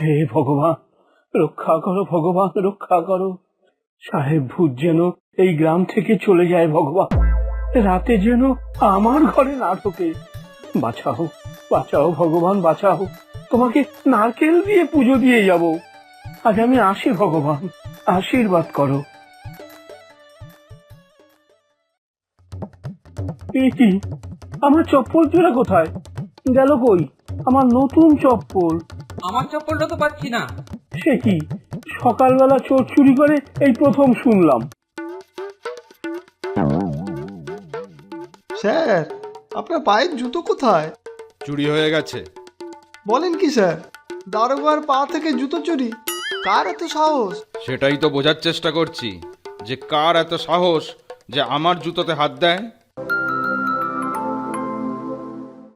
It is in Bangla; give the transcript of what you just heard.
হে ভগবান, রক্ষা করো ভগবান, রক্ষা করো। সাহেব ভূত যেন এই গ্রাম থেকে চলে যায় ভগবান, রাতে যেন আমার ঘরে না ঢোকে। বাঁচাও, বাঁচাও ভগবান, বাঁচাও। তোমাকে নারকেল দিয়ে পুজো দিয়ে যাব। আজ আমি আসি ভগবান, আশীর্বাদ করো। এ কি, আমার চপ্পল জোড়া কোথায় গেল? কই আমার নতুন চপ্পল? আমার চপ্পলটা তো পাচ্ছি না। সে কি, সকালবেলা চোর চুরি করে এই প্রথম শুনলাম। স্যার, আপনার পায়ের জুতো কোথায়? চুরি হয়ে গেছে। বলেন কি স্যার, দারোগার পা থেকে জুতো চুরি? কার এত সাহস? সেটাই তো বোঝার চেষ্টা করছি, যে কার এত সাহস যে আমার জুতোতে হাত দেয়।